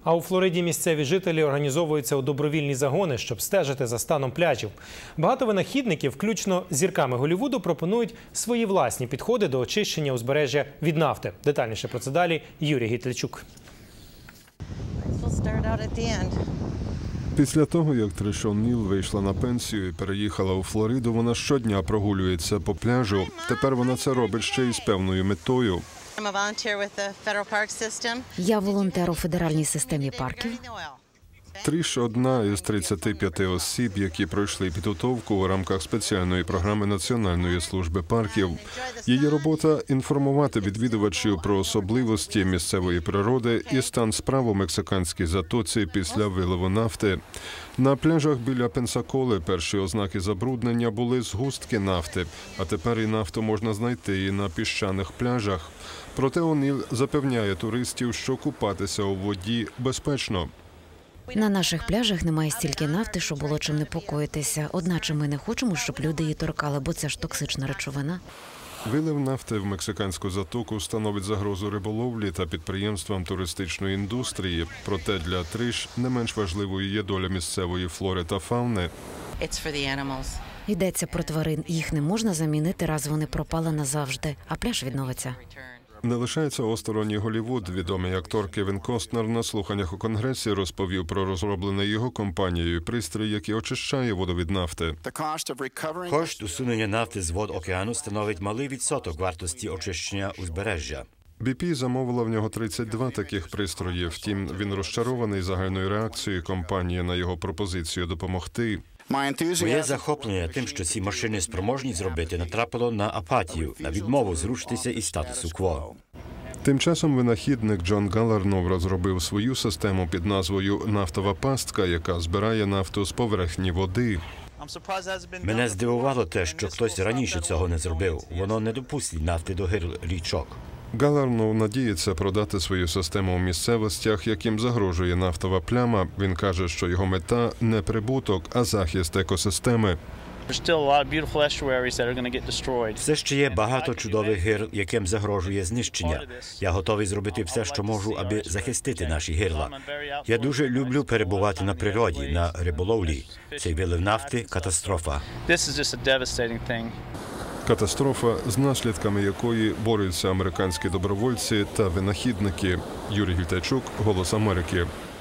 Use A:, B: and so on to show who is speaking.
A: А у Флориді місцеві жителі організовуються у добровільні загони, щоб стежити за станом пляжів. Багато винахідників, включно з зірками Голлівуду, пропонують свої власні підходи до очищення узбережжя від нафти. Детальніше про це далі Юрій Гітлячук.
B: Після того, як Тришон Ніл вийшла на пенсію і переїхала у Флориду, вона щодня прогулюється по пляжу. Тепер вона це робить ще й з певною метою.
C: Я волонтер у федеральній системі парків.
B: Тріш – одна із 35 осіб, які пройшли підготовку у рамках спеціальної програми Національної служби парків. Її робота – інформувати відвідувачів про особливості місцевої природи і стан справ у мексиканській затоці після вилову нафти. На пляжах біля Пенсаколи перші ознаки забруднення були згустки нафти, а тепер і нафту можна знайти і на піщаних пляжах. Проте О'Ніл запевняє туристів, що купатися у воді безпечно.
C: На наших пляжах немає стільки нафти, що було чим непокоїтися. Одначе ми не хочемо, щоб люди її торкали, бо це ж токсична речовина.
B: Вилив нафти в мексиканську затоку становить загрозу риболовлі та підприємствам туристичної індустрії. Проте для Тріш не менш важливою є доля місцевої флори та фауни.
C: Йдеться про тварин. Їх не можна замінити, раз вони пропали назавжди, а пляж відновиться.
B: Не лишається осторонь і Голлівуд. Відомий актор Кевін Костнер на слуханнях у Конгресі розповів про розроблений його компанією пристрій, який очищає воду від нафти.
D: Кошт усунення нафти з вод океану становить малий відсоток вартості очищення узбережжя.
B: BP замовила в нього 32 таких пристроїв. Втім, він розчарований загальною реакцією компанії на його пропозицію допомогти.
D: Моє захоплення тим, що ці машини спроможні зробити, натрапило на апатію, на відмову зрушитися із статусу-кво.
B: Тим часом винахідник Джон Галлернов розробив свою систему під назвою «Нафтова пастка», яка збирає нафту з поверхні води.
D: Мене здивувало те, що хтось раніше цього не зробив. Воно не допустить нафти до гирл річок.
B: Галлернов надіється продати свою систему у місцевостях, яким загрожує нафтова пляма. Він каже, що його мета – не прибуток, а захист екосистеми.
D: Все ще є багато чудових гирл, яким загрожує знищення. Я готовий зробити все, що можу, аби захистити наші гирла. Я дуже люблю перебувати на природі, на риболовлі. Цей вилив нафти – катастрофа.
B: Катастрофа, з наслідками якої борються американські добровольці та винахідники. Юрій Гітлячук, «Голос Америки».